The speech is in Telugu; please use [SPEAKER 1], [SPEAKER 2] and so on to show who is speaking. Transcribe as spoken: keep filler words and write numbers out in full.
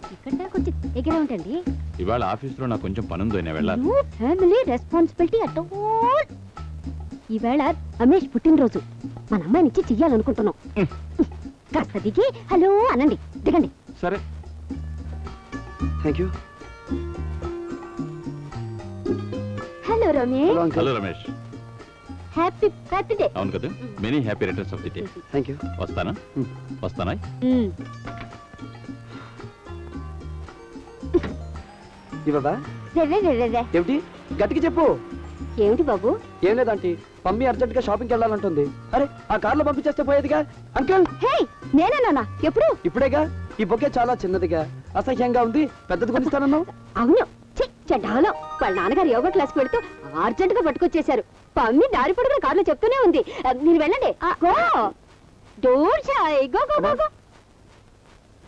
[SPEAKER 1] ఇక్కడ కొంచెం దగ్గర ఉంటండి.
[SPEAKER 2] ఇవాళ ఆఫీస్లో నాకు కొంచెం పనుందో నేను వెళ్ళాలి.
[SPEAKER 1] No family responsibility at all. ఈవేళ రమేష్ పుట్టినరోజు, మన అమ్మాయిని ఇచ్చి చెయ్యాలనుకుంటున్నాం. కాస్త దిగి హలో అనండి. దిగండి.
[SPEAKER 2] సరే.
[SPEAKER 3] Thank you.
[SPEAKER 1] Hello Ramesh.
[SPEAKER 2] Hello Ramesh.
[SPEAKER 1] Happy birthday.
[SPEAKER 2] అవును కదా, many happy returns of the day.
[SPEAKER 3] Thank you.
[SPEAKER 2] వస్తానా వస్తానా
[SPEAKER 3] ఇవ్వదా? ఏమిటి గట్టికి చెప్పు.
[SPEAKER 1] ఏమిటి బాబు?
[SPEAKER 3] ఏం లేదంటే మమ్మీ అర్జెంట్ గా షాపింగ్కి వెళ్ళాలంటుంది. అరే ఆ కార్లో పంపించేస్తే పోయేదిగా. అంకుల్.
[SPEAKER 1] హే నేనేనా? ఎప్పుడు?
[SPEAKER 3] ఇప్పుడేగా. ఈ బొకే చాలా చిన్నదిగా, అసహ్యంగా ఉంది. పెద్దది కొనిస్తానన్నావు.
[SPEAKER 1] అవును. చెడ్డాలో వాళ్ళ నాన్నగారు యోగా క్లాస్కి వెళ్తూ అర్జెంట్ గా పట్టుకొచ్చేశారు. పమ్మి దారి పొడుగున కార్లో చెప్తూనే ఉంది. మీరు వెళ్ళండి. గో డోర్ చాయ్. Go go go go.